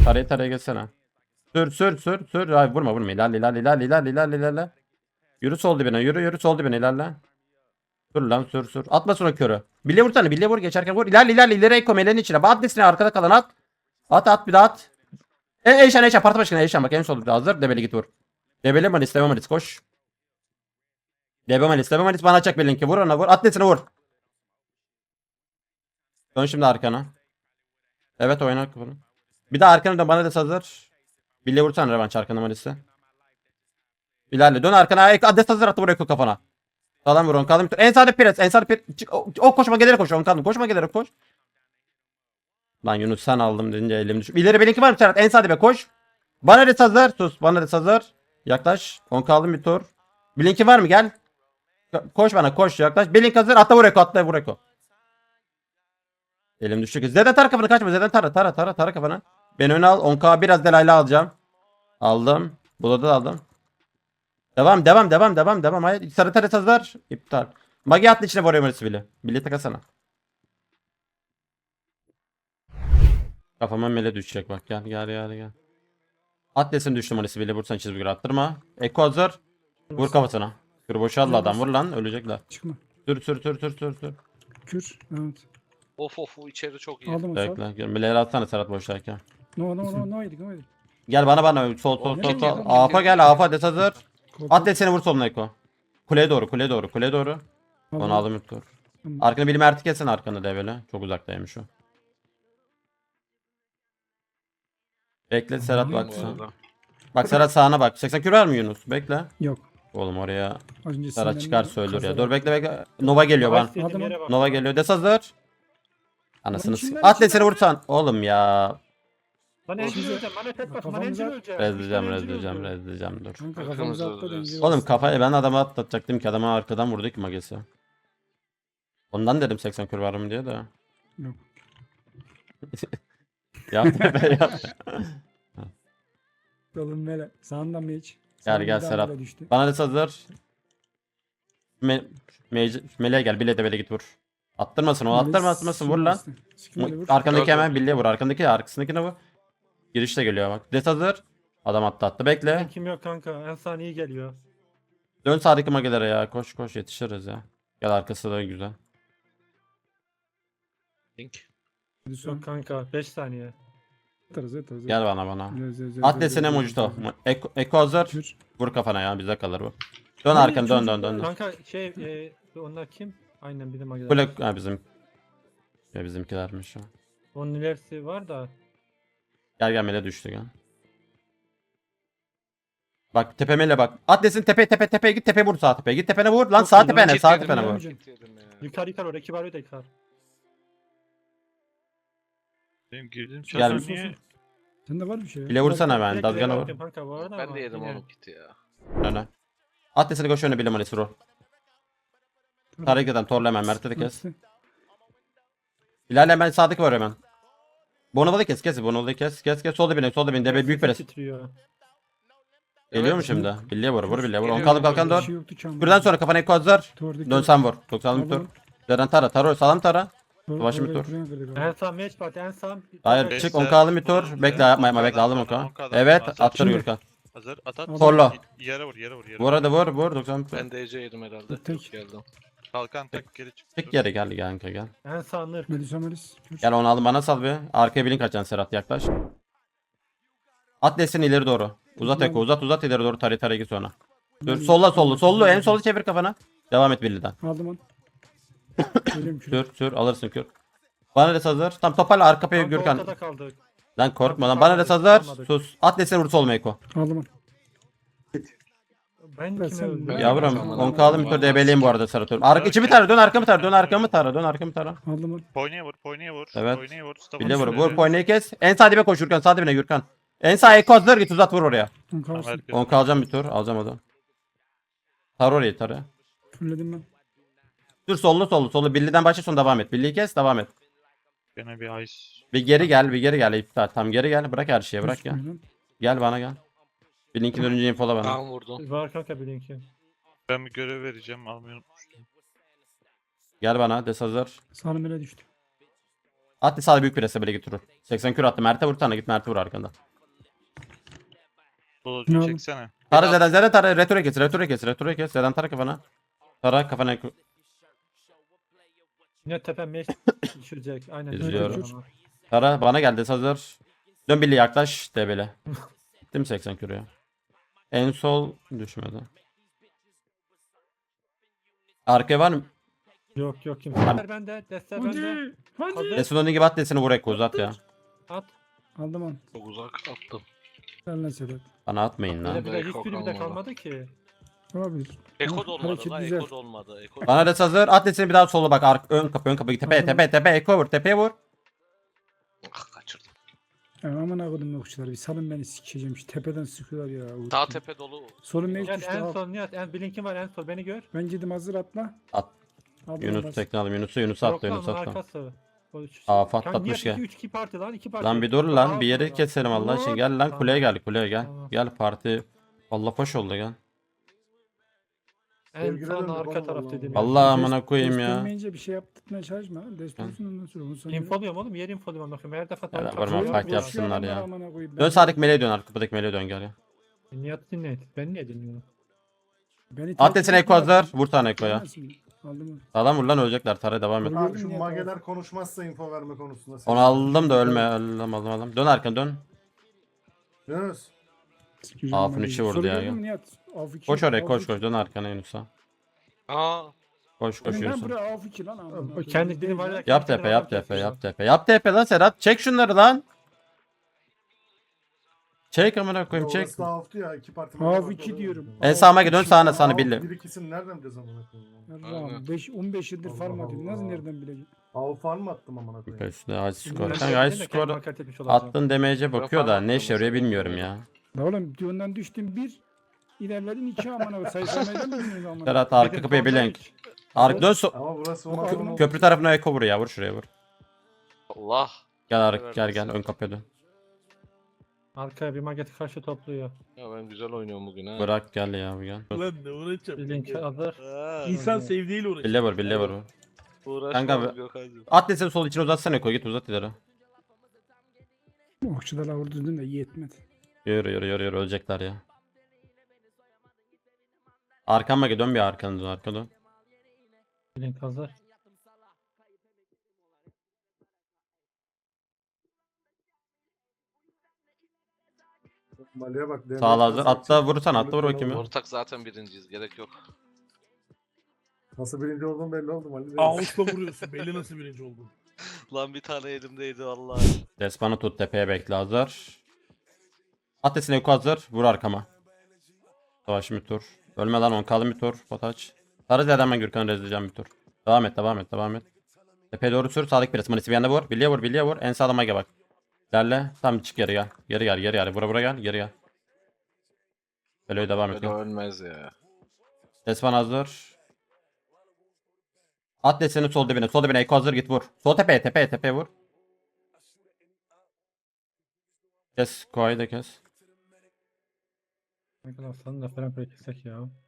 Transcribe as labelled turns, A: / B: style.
A: Taraya geçsene. Sür. Ay vurma. İlerle. Yürü sol dibine. Yürü sol dibine ilerle. Dur lan sür. Atma sonra körü. Bille vursana. Bille vur geçerken vur. İlerle. İleri Eko meleğin içine. At desine arkada kalan at. At bir daha at. Eşan. Parti başkanı Eşan bak en solda hazır. Debeli git vur. Debeli Malis koş. Debe Malis bana açacak belinki. Vur ona vur. At desine vur. Dön şimdi arkana. Evet oyna bunu. Bir daha arkana dön bana des hazır. Bille vursana revanş arkana Malis'e. İlerle dön arkana. Ades hazır attı buraya kafana. Sağlam vur kaldım. En sağda pres. Çık. O koşma gelerek koş. Kaldım. Koşma gelerek koş. Lan Yunus sen aldım deyince elim düşüyor. İleri benimki var mı Serhat? En sağda be koş. Bana des hazır. Sus. Bana des hazır. Yaklaş. 10 kaldım bir tur. Blink'i var mı? Gel. Koş bana koş yaklaş. Blink hazır. Atla vur Eko. Elim düştü. Z'den tara kafanı kaçma. Z'den tara kafanı. Beni öne al. 10k biraz delayla alacağım. Aldım. Burada da aldım. Devam. Hayır. Sarı taret hazır. İptal. Magi atlı içine vuruyor Maris'i bile. Bile takasana. Kafama mele düşecek bak. Gel. Atlesin düştü Maris'i bile. Vursan çizgi attırma. Eko hazır. Vur kafasına. Kür boşaldı adam. Vur lan. Ölecekler.
B: Çıkma.
A: Sür.
B: Kür. Evet.
C: Of içeri çok iyi.
B: Aldım o sağ.
A: Bekle. Mileleri atsana Serhat boşlarken.
B: No yedik.
A: Gel bana. Sol.
B: Nereye gidiyorsun?
A: Afa gel. Afa des hazır.
B: Korktum.
A: Atlet vur soluna Eko. Kuleye doğru. Onu aldım bir tur. Arkana bir merti kesin arkana devele. Çok uzaktaymış o. Bekle Serhat
B: Tamam,
A: bak
C: Bu
A: sen.
C: arada.
A: Bak Serhat sağına bak. 80 kür var mı Yunus? Bekle.
B: Yok.
A: Oğlum oraya
B: Az önce
A: Serhat çıkar
B: sinirlendim,
A: söylür ya.
B: kazadım.
A: Dur bekle. Nova geliyor
D: Bak
A: bana.
D: istediğim
B: Adamın-
D: yere bak.
A: Nova geliyor. Des hazır. Anasını
B: Lan
A: s**.
B: içinden,
A: Atlet
B: içinden.
A: vursan. Oğlum ya.
D: Lan encil
B: Size-
D: öleceğim. Bana tek bak. Bana
B: Kafamıza-
D: encil öleceğim.
A: Rezleyeceğim dur.
B: Kanka
C: Kırmızı
B: kafamıza
C: oldu.
B: atla denge
A: Oğlum
B: bas.
A: kafayı ben adama atlatacaktım ki adama arkadan vurdu ki magesi. Ondan dedim 80 kür var mı diye de.
B: Yok.
A: Yap.
B: Yolun böyle. Sağından mı hiç?
A: Gel,
B: Sağından daha
A: Serhat.
B: böyle düştü.
A: Bana des hazır. Meleğe gel. Bile de böyle git vur. Attırmasın o. Attırmasın vur lan.
B: Sikimle vur.
A: Arkandaki
C: Gördüm.
A: hemen birliğe vur. Arkasındakine vur. Girişte geliyor bak. Des hazır. Adam attı. Bekle.
D: Kim yok kanka. En saniye geliyor.
A: Dön sağdaki magelere ya. Koş yetişiriz ya. Gel arkası da güzel.
C: Link.
D: Yok kanka. 5 saniye.
B: Atarız.
A: Gel bana.
B: Zö.
A: At desene Mojito. Eko hazır.
B: Kür.
A: Vur kafana ya bize kalır bu. Dön arkanı dön.
D: Kanka onlar kim? Aynen bizim magiler.
A: Kule ha bizim. Ya bizimkilermiş o.
D: Onun ilerisi var da.
A: Gel mele düştü gel. Bak tepemele bak. At desin tepeye git tepeye vur sağ tepeye. Git tepene vur lan
B: Çok
A: sağ
B: iyi,
A: tepene
C: Kit
A: sağ
C: yedim
A: tepene
C: ya,
A: vur.
C: kit yedim ya.
D: Yıkar o. Rakip arıyor da yıkar.
E: Benim girdiğim
A: Gel.
E: çatı niye?
B: Sende var bir şey ya.
A: Bile vursana ben.
D: Direkt
A: Dazgana
D: ileri
A: vur.
D: atıyorum kanka bu arada
C: Ben
D: ama
C: de yedim
D: yine-
C: onun kiti ya.
A: Öne. At desene koş öne bile manisi vur. Tarık eden torla hemen Mert'e de kes.
B: Attı.
A: İlerle ben sağdaki var hemen. Bonovalı kes. Bonovalı kes. Solda beni. Debe büyük pres.
D: Titriyor.
A: Geliyor mu
C: Evet.
A: şimdi? Birliğe vur. Vur. On
C: Geliyor,
A: kaldı kalkan
B: Bir
A: dur.
B: şey yoktu ki ama.
A: Buradan sonra kafana eko hazır.
B: Tuvardaki-
A: Dön sen vur. 90 bir tur.
B: Aldım.
A: Zeren tara. Sağlam tara.
B: Tuvar-
A: Başım bir
B: tuvarda
A: tur.
B: ekranı kırdık abi.
D: En sağ match party en sağ.
A: Hayır
E: Beş
A: çık
E: de-
A: 10 kaldı bir tur. Bekle yapma bekle aldım 10
E: 10K'dan
A: Evet
E: hazır.
A: attır
B: Şimdi-
A: Gürkan.
E: Hazır at.
A: Torla.
E: Yere vur.
A: Vur hadi vur 90 bir tur.
C: Ben DC yedim herhalde.
B: Tek.
C: Geldim.
E: Kalkan tek geri çık.
A: Çık geri gel kanka gel.
D: En sağ nır.
B: Melisa Melis. Kür.
A: Gel onu aldım bana sal bir. Arkaya bilin kaçacaksın Serhat yaklaş. At desini ileri doğru. Uzat eko uzat ileri doğru tarih git sonra. Dur sollu en solu çevir kafana. Devam et birliden.
B: Aldım onu. Söyleyeyim kür.
A: Sür alırsın kür. Bana des hazır. Tam toparla arka payı
D: Kanka
A: Gürkan.
D: ortada kaldık.
A: Lan korkma lan. Bana des hazır.
D: Kalmadık.
A: Sus. At desini vur solma eko.
B: Aldım onu.
D: Ben
B: Ben
D: kime
B: sen-
D: öldüm?
C: Ben-
A: Yavrum
C: Tamam.
A: 10 kaldı bir tur debeleyim bu arada Serhat. İçimi tara dön arkamı tara. Dön arkamı tara.
B: Aldım onu.
E: Poynaya vur.
A: Evet.
E: Poynaya vur.
A: Bile vur poynayı kes. En sağ dibe koş Gürkan. Sağ dibine Gürkan. En sağ eko hazır git uzat vur oraya.
B: 10 kalsın.
A: 10 kalacağım bir tur. Alacağım onu. Tar orayı tarı.
B: Fulledim ben.
A: Dur sollu. Birliğden başla sonra devam et. Birliği kes devam et.
E: Gene bir ice.
A: Bir geri gel. İptal. Tam geri gel. Bırak her şeyi bırak ya.
B: Üstüne.
A: Gel bana gel. Bir linkin önce infola bana.
C: Tamam vurdum.
D: Var kanka bir linki.
E: Ben bir görev vereceğim. Almayı unutmuştum.
A: Gel bana des hazır.
B: Sağlı mele düştü.
A: At sağda büyük prese böyle götürür. 80 kür attı. Mert'e vur tane git Mert'e vur arkanda.
E: Dolucu
B: Ne oldu?
E: çeksene.
A: Tara Zeden Zeden Tara retore kes retore kes retore kes. Zeden Tara kafana. Tara kafana.
D: Yine tepe meş düşürecek. Aynen.
A: İzliyorum.
D: düşürecek.
A: Tara bana geldi hazır. Dön Billy yaklaş debele. Gittim 80 kürü ya. En sol düşmedi. Arkaya var mı?
D: Yok yok kimse. Destler bende. Destler bende.
B: Hadi. Hadi.
D: Hazır.
A: Esudon'un gibi at desini vur Eko uzat ya.
D: At.
B: Aldım onu.
C: Çok uzak attım.
B: Sen lan Sedat.
A: Bana atmayın lan.
D: Öyle bir de
C: Eko
D: hiçbiri bir de
C: kalmadı.
D: kalmadı ki.
B: Olabilir.
C: Eko da olmadı
B: Hareket
C: la.
B: güzel.
C: Eko da olmadı. Eko
A: Bana des hazır. At desini bir daha sola bak. Ön kapı ön kapı. Tepe tepe tepe. Eko vur. Tepeye vur.
C: Kaçırdım.
B: Ya aman akıdım yokçular. Bir salın beni sikeceğim. Şu tepeden sıkıyorlar ya.
C: Sağ tepe dolu.
B: Solun mevcut
D: Nihat
B: işte.
D: en
B: al.
D: son Nihat. Blink'in var en son beni gör.
B: Ben gittim hazır atla.
A: At.
B: Aldım
A: Yunus
B: bas.
A: tekne aldım. Yunus'u atla.
D: Yok
A: Yunus'u
D: lan onun
A: atla.
D: arkası.
A: Patlatmış gel.
D: 3 2 parti lan 2 parti.
A: Lan bir dur lan.
D: Aa,
A: Bir yeri
D: sonra.
A: keselim Allah için.
D: Dur.
A: Gel lan kuleye gel. Kuleye gel.
D: Tamam.
A: Gel parti. Allah hoş oldu gel.
D: En son arka taraf dediğim.
A: Allah amına
B: Dest-
A: koyayım
B: dest
A: ya.
B: olmayınca bir şey yaptırtmaya çalışma. Dest olsun ondan sonra. Onu sonra.
D: İnfoluyorum oğlum yer infoluyorum bakıyorum. Her defa
A: Ya,
D: tam
A: varma,
D: çakıyorum.
A: fight yapsınlar ya.
B: Amına koyayım.
A: Dön sağdaki meleğe dön. Arkadaki meleğe dön gel ya.
D: Nihat dinle. Ben niye dinliyorum?
B: Beni
A: At desine Eko hazır. Vur tane Eko'ya.
B: Aldım onu.
A: Sağdan vur lan ölecekler. Tara devam et.
B: Gördün
F: Abi
B: mü
F: şu
B: ya?
F: mageler konuşmazsa info verme konusunda.
A: Onu aldım da ölme. Aldım aldım. Dön arkana dön.
F: Yunus.
B: Sikeceğim
A: Afın
B: onu.
A: içi vurdu
B: Soru
A: ya,
B: gördün
A: ya.
B: mü Nihat? Af iki,
A: Koş oraya
B: af
A: koş
B: iki.
A: koş. Dön arkana Yunus'a.
C: Aa.
A: Koş koş
B: Ben
A: Yunus'a.
B: buraya af iki lan. amına
D: O
B: koyayım.
D: kendi dili var ya.
A: Yap
D: kendi
A: tepe
D: adam
A: yap tepe
D: kesiyor.
A: yap tepe. Yap tepe lan Serhat. Çek şunları lan. Çek amına koyayım çek.
F: Orası da haftu ya. İki parti.
B: Af iki diyorum.
A: En sağıma dön sağına sana billi.
F: Bir ikisini nereden bileceğiz amına koyayım?
B: Allah'ım 15 yıldır farm
F: Allah
B: atıyorum. Nasıl
F: Allah.
B: nereden bileceğim?
F: Av farm mı attım amına koyayım?
A: Üstüne high skor.
D: Ben
A: Kanka high
D: kendime
A: skor
D: hakaret etmiş olacağım.
A: attın demeyece bakıyor da ne işe yarıyor bilmiyorum ya.
B: La oğlum ondan düştüm bir. İlerledin iki amına koyayım. Sayısamayla mı bilmiyorum amına?
A: Serhat arka kapıya bir link. Arka dön
F: Ama burası
B: Ama
F: ona
B: adam-
A: köprü tarafına Eko vur ya vur şuraya vur.
C: Allah.
A: Gel gel gel ön kapıya dön.
D: Arkaya bir mageti karşı topluyor.
C: Ya ben güzel oynuyorum bugün ha.
A: Bırak gel ya bu gel.
G: Lan ne uğraşacağım?
D: Blink hazır.
G: İnsan sevdiğiyle uğraşıyor.
A: Bille vur.
C: Uğraşma
A: Kanka
C: abi
A: be-
C: Gökhan'cığım.
A: At deseni sol içine uzatsana Eko git uzat ileri.
B: Okçuda la vurdurdun da yetmedi.
A: Yürü ölecekler ya. Arkama gel dön bir arkana dön arka dön.
D: Blink hazır.
F: Maliye bak.
A: Sağ ol hazır. Atla vurursan atla vur bakayım ya.
C: Ortak zaten birinciyiz. Gerek yok.
F: Nasıl birinci olduğum belli oldu Mali.
G: Ağustos'ta vuruyorsun. Belli nasıl birinci oldun.
C: Lan bir tane elimdeydi vallahi.
A: Despanı tut tepeye bekle hazır. At desene Eko hazır. Vur arkama. Savaş bir tur. Ölme lan 10 kalın bir tur. Potaç. Sarı zeden ben Gürkan'ı rezleyeceğim bir tur. Devam et. Tepeye doğru sür. Sağdaki biraz manisi bir yanda vur. Bilye vur. En sağda mage bak. İlerle. Tam çık geri gel. Geri gel. Bura gel. Geri gel. Böyle devam et.
C: Böyle ölmez ya.
A: Despan hazır. At deseni sol dibine. Sol dibine Eko hazır git vur. Sol tepeye vur. Kes. Koayı da kes.
D: Ne kadar sanın da falan böyle kesek ya.